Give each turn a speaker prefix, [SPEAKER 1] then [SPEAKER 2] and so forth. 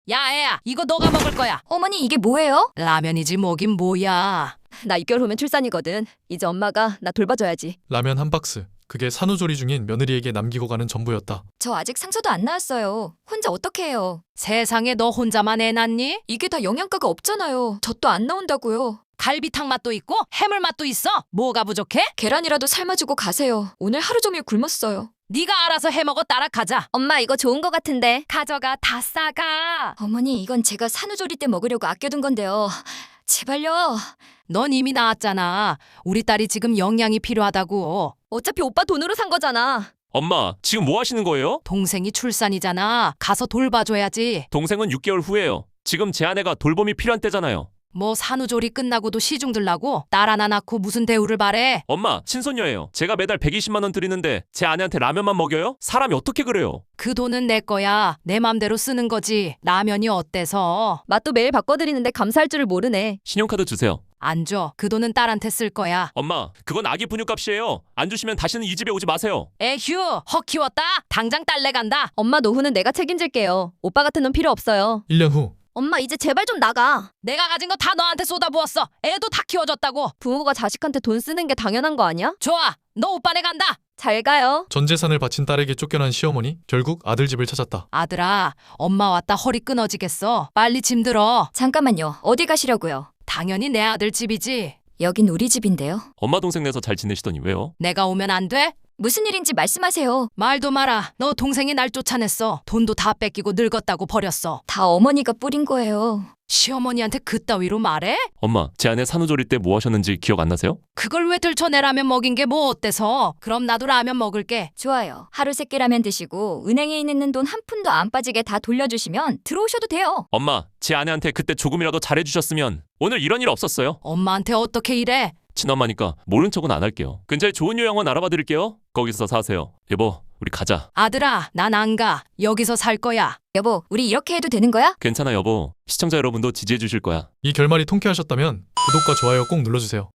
[SPEAKER 1] 야, 애야, 이거 너가 먹을 거야.
[SPEAKER 2] 어머니 이게 뭐예요?
[SPEAKER 1] 라면이지 뭐긴 뭐야.
[SPEAKER 2] 나 6개월 후면 출산이거든. 이제 엄마가 나 돌봐줘야지.
[SPEAKER 3] 라면 한 박스. 그게 산후조리 중인 며느리에게 남기고 가는 전부였다.
[SPEAKER 2] 저 아직 상처도 안 나왔어요. 혼자 어떻게 해요?
[SPEAKER 1] 세상에 너 혼자만 애 낳니?
[SPEAKER 2] 이게 다 영양가가 없잖아요. 젖도 안 나온다고요.
[SPEAKER 1] 갈비탕 맛도 있고 해물 맛도 있어. 뭐가 부족해?
[SPEAKER 2] 계란이라도 삶아주고 가세요. 오늘 하루 종일 굶었어요.
[SPEAKER 1] 네가 알아서 해먹어 따라가자.
[SPEAKER 2] 엄마 이거 좋은 거 같은데.
[SPEAKER 1] 가져가 다 싸가.
[SPEAKER 2] 어머니 이건 제가 산후조리 때 먹으려고 아껴둔 건데요. 제발요.
[SPEAKER 1] 넌 이미 나왔잖아. 우리 딸이 지금 영양이 필요하다고.
[SPEAKER 2] 어차피 오빠 돈으로 산 거잖아.
[SPEAKER 4] 엄마, 지금 뭐 하시는 거예요?
[SPEAKER 1] 동생이 출산이잖아. 가서 돌봐줘야지.
[SPEAKER 4] 동생은 6개월 후예요. 지금 제 아내가 돌봄이 필요한 때잖아요.
[SPEAKER 1] 뭐 산후조리 끝나고도 시중 들라고? 딸 하나 낳고 무슨 대우를 바래?
[SPEAKER 4] 엄마, 친손녀예요. 제가 매달 120만 원 드리는데 제 아내한테 라면만 먹여요? 사람이 어떻게 그래요?
[SPEAKER 1] 그 돈은 내 거야. 내 맘대로 쓰는 거지. 라면이 어때서?
[SPEAKER 2] 맛도 매일 바꿔드리는데 감사할 줄을 모르네.
[SPEAKER 4] 신용카드 주세요.
[SPEAKER 1] 안 줘. 그 돈은 딸한테 쓸 거야.
[SPEAKER 4] 엄마, 그건 아기 분유값이에요. 안 주시면 다시는 이 집에 오지 마세요.
[SPEAKER 1] 에휴, 헉 키웠다. 당장 딸내 간다.
[SPEAKER 2] 엄마 노후는 내가 책임질게요. 오빠 같은 놈 필요 없어요.
[SPEAKER 3] 1년 후
[SPEAKER 2] 엄마 이제 제발 좀 나가.
[SPEAKER 1] 내가 가진 거 다 너한테 쏟아부었어. 애도 다 키워줬다고.
[SPEAKER 2] 부모가 자식한테 돈 쓰는 게 당연한 거 아니야?
[SPEAKER 1] 좋아. 너 오빠네 간다.
[SPEAKER 2] 잘 가요.
[SPEAKER 3] 전 재산을 바친 딸에게 쫓겨난 시어머니. 결국 아들 집을 찾았다.
[SPEAKER 1] 아들아, 엄마 왔다 허리 끊어지겠어. 빨리 짐 들어.
[SPEAKER 2] 잠깐만요. 어디 가시려고요?
[SPEAKER 1] 당연히 내 아들 집이지.
[SPEAKER 2] 여긴 우리 집인데요.
[SPEAKER 4] 엄마 동생 내서 잘 지내시더니 왜요?
[SPEAKER 1] 내가 오면 안 돼?
[SPEAKER 2] 무슨 일인지 말씀하세요.
[SPEAKER 1] 말도 마라. 너 동생이 날 쫓아냈어. 돈도 다 뺏기고 늙었다고 버렸어.
[SPEAKER 2] 다 어머니가 뿌린 거예요.
[SPEAKER 1] 시어머니한테 그따위로 말해?
[SPEAKER 4] 엄마, 제 아내 산후조리 때 뭐 하셨는지 기억 안 나세요?
[SPEAKER 1] 그걸 왜 들춰내라면 먹인 게 뭐 어때서? 그럼 나도 라면 먹을게.
[SPEAKER 2] 좋아요. 하루 3끼 라면 드시고 은행에 있는 돈 한 푼도 안 빠지게 다 돌려주시면 들어오셔도 돼요.
[SPEAKER 4] 엄마, 제 아내한테 그때 조금이라도 잘해주셨으면 오늘 이런 일 없었어요.
[SPEAKER 1] 엄마한테 어떻게 이래?
[SPEAKER 4] 친엄마니까 모른 척은 안 할게요. 근처에 좋은 요양원 알아봐 드릴게요. 거기서 사세요. 여보, 우리 가자.
[SPEAKER 1] 아들아, 난 안 가. 여기서 살 거야.
[SPEAKER 2] 여보, 우리 이렇게 해도 되는 거야?
[SPEAKER 4] 괜찮아 여보. 시청자 여러분도 지지해 주실 거야.
[SPEAKER 3] 이 결말이 통쾌하셨다면 구독과 좋아요 꼭 눌러주세요.